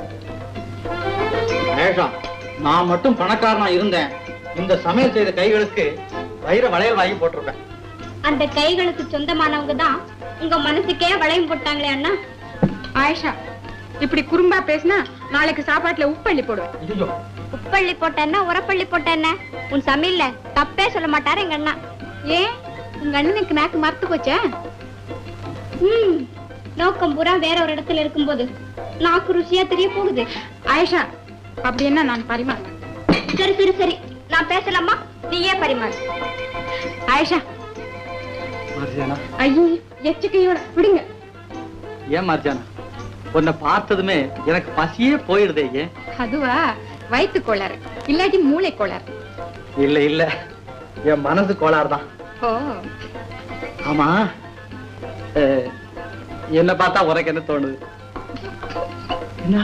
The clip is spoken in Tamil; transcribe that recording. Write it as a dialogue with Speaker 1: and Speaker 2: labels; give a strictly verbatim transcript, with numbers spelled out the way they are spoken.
Speaker 1: ஆயிஷா, நான் மட்டும் பணக்காரனா இருந்தேன், இந்த சமையல் செய்த கைகளுக்கு வைர வளையல் வாங்கி போட்டிருப்பேன்.
Speaker 2: அந்த கைகளுக்கு சொந்தமானவங்க தான் உங்க மனசுக்கே வளையம் போட்டாங்களே அண்ணா.
Speaker 3: ஆயிஷா, இப்படி குறும்பா பேசினா நாளைக்கு சாப்பாட்டுல உப்பள்ளி போடுவேன்.
Speaker 2: உப்பள்ளி போட்டேன்னா உரப்பள்ளி போட்டேன்ன உன் சமையல்ல தப்பே சொல்ல மாட்டாரு எங்க அண்ணா.
Speaker 3: ஏன் உங்க அண்ணனுக்கு நாக்கு மறத்து போச்சா?
Speaker 2: ம், நோக்கம் பூரா வேற ஒரு இடத்துல இருக்கும்போது நாக்கு ருசியா தெரிய போகுது.
Speaker 3: ஆயிஷா, அப்படி என்ன நான் பரிமாறேன்.
Speaker 2: சரி சரி சரி, நான் பேசலாமா? நீயே பரிமாறு.
Speaker 3: ஆயிஷா.
Speaker 1: மார்ஜானா,
Speaker 3: ஐயோ எச்சக்கையோட விடுங்க.
Speaker 1: ஏன் மார்ஜானா, உன்னை பார்த்ததுமே எனக்கு பசியே போயிடுதே. ஏன்?
Speaker 3: அதுவா, வயிற்று கோளாறு இல்லாட்டி மூளை கோளாறு.
Speaker 1: இல்ல இல்ல, என் மனசு கோளாறு தான்.
Speaker 3: ஓ
Speaker 1: ஆமா, என்ன பார்த்தா உனக்கு என்ன தோணுது?